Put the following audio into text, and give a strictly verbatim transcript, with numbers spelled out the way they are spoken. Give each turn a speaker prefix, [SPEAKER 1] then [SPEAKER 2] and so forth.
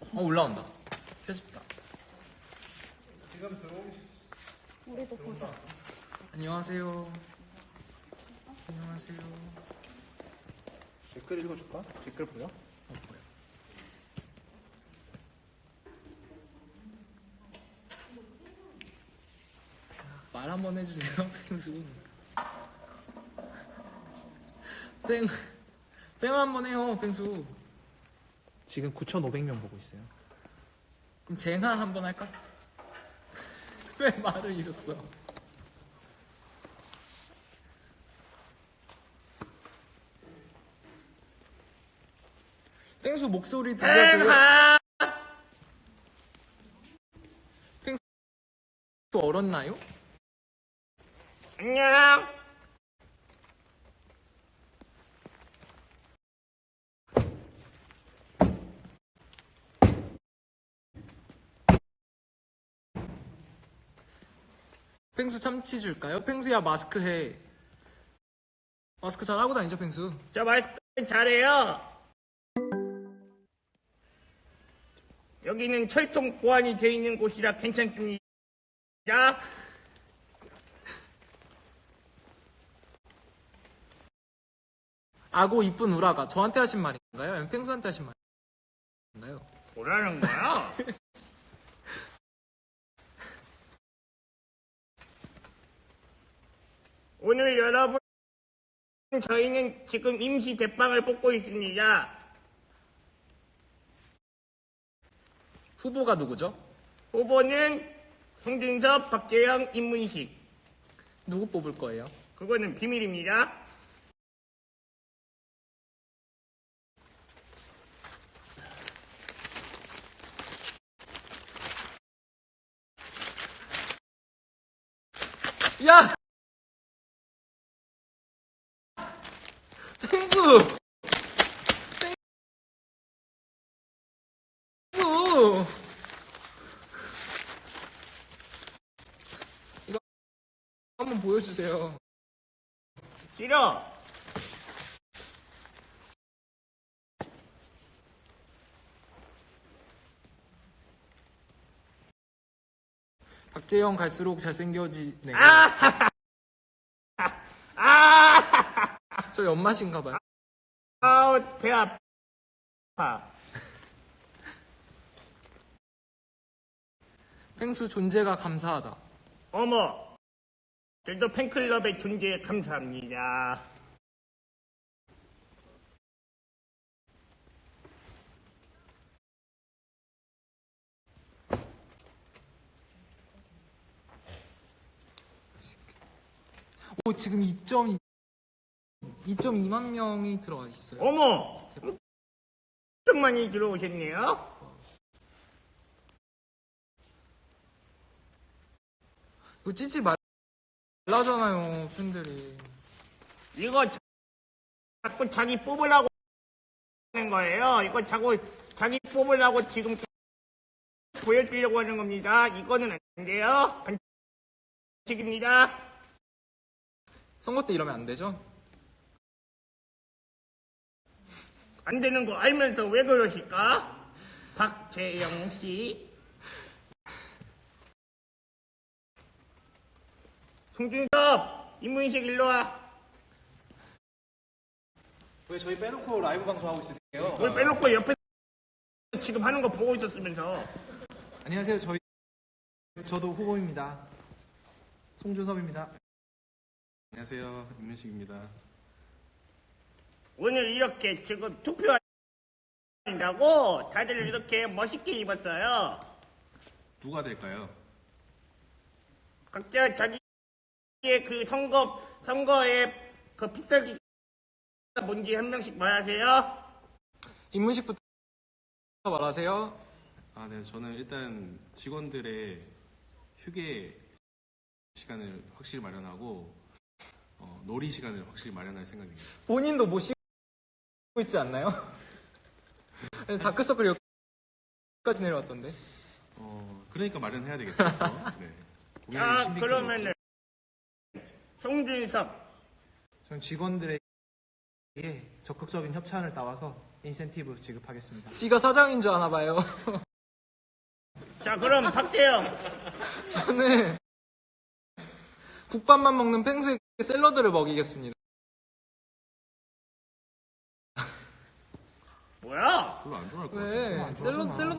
[SPEAKER 1] 어, 올라온다. 켜졌다.
[SPEAKER 2] 지금 들어오기
[SPEAKER 3] 우리도 보자.
[SPEAKER 1] 안녕하세요. 안녕하세요.
[SPEAKER 2] 댓글 읽어줄까? 댓글 보여?
[SPEAKER 1] 어, 뭐야. 말 한번 해주세요, 펭수. 뺑, 뺑 한번 해요, 펭수.
[SPEAKER 2] 지금 구천오백 명 보고 있어요.
[SPEAKER 1] 그럼 쟁하 한번 할까? 왜 말을 잃었어? 펭수 목소리 들려줘요. 펭수 얼었나요?
[SPEAKER 4] 안녕.
[SPEAKER 1] 펭수 참치 줄까요? 펭수야 마스크 해. 마스크 잘 하고 다니죠, 펭수?
[SPEAKER 4] 저 마스크 잘해요. 여기는 철통 보안이 돼 있는 곳이라 괜찮습니다.
[SPEAKER 1] 아고 이쁜 우라가 저한테 하신 말인가요? 아니면 펭수한테 하신 말인가요?
[SPEAKER 4] 뭐라는 거야? 오늘 여러분, 저희는 지금 임시 대빵을 뽑고 있습니다.
[SPEAKER 1] 후보가 누구죠?
[SPEAKER 4] 후보는 송준섭, 박재영, 임문식.
[SPEAKER 1] 누구 뽑을 거예요?
[SPEAKER 4] 그거는 비밀입니다.
[SPEAKER 1] 야! 펭수! 펭수! 한번 보여주세요.
[SPEAKER 4] 싫어.
[SPEAKER 1] 박재영 갈수록 잘생겨지네요.
[SPEAKER 4] 아! 아!
[SPEAKER 1] 저 연맛인가봐요.
[SPEAKER 4] 아우, 배 아파.
[SPEAKER 1] 펭수 존재가 감사하다.
[SPEAKER 4] 어머, 저도 팬클럽의 존재에 감사합니다.
[SPEAKER 1] 오, 지금 이 점 이만 명이 들어와 있어요.
[SPEAKER 4] 어머, 엄청 많이 들어오셨네요.
[SPEAKER 1] 이거 찢지 말라잖아요, 팬들이.
[SPEAKER 4] 이거 자- 자꾸 자기 뽑으려고 하는 거예요. 이거 자꾸 자기 뽑으려고 지금 보여주려고 하는 겁니다. 이거는 안 돼요. 반칙입니다.
[SPEAKER 1] 선거 때 이러면 안 되죠?
[SPEAKER 4] 안 되는 거 알면서 왜 그러실까? 박재영 씨. 송준섭, 임문식 일로 와.
[SPEAKER 2] 왜 저희 빼놓고 라이브 방송하고 있으세요?
[SPEAKER 4] 그걸 빼놓고 옆에 지금 하는 거 보고 있었으면서.
[SPEAKER 2] 안녕하세요. 저희 저도 후보입니다. 송준섭입니다.
[SPEAKER 5] 안녕하세요. 임문식입니다.
[SPEAKER 4] 오늘 이렇게 지금 투표한다고 다들 이렇게 멋있게 입었어요.
[SPEAKER 5] 누가 될까요?
[SPEAKER 4] 각자 자기의 그 선거, 선거에 그 필살기가 뭔지 한 명씩 말하세요.
[SPEAKER 1] 임문식부터 말하세요.
[SPEAKER 5] 아, 네. 저는 일단 직원들의 휴게 시간을 확실히 마련하고 어, 놀이 시간을 확실히 마련할 생각입니다.
[SPEAKER 1] 본인도 못 쉬고 있지 않나요? 다크서클 여기까지 내려왔던데.
[SPEAKER 5] 어, 그러니까 마련해야 되겠죠. 네. 공연의
[SPEAKER 4] 아,
[SPEAKER 5] 신빙성이
[SPEAKER 4] 그러면은 송준섭.
[SPEAKER 2] 저는 직원들에게 적극적인 협찬을 따와서 인센티브 지급하겠습니다.
[SPEAKER 1] 지가 사장인 줄 아나 봐요.
[SPEAKER 4] 자, 그럼 박재영.
[SPEAKER 1] 저는 국밥만 먹는 펭수에게 샐러드를 먹이겠습니다.
[SPEAKER 4] 뭐야?
[SPEAKER 5] 별로 안 좋아할 것 같아요.
[SPEAKER 1] 왜?
[SPEAKER 2] 안 좋아하잖아.
[SPEAKER 1] 샐러드, 샐러드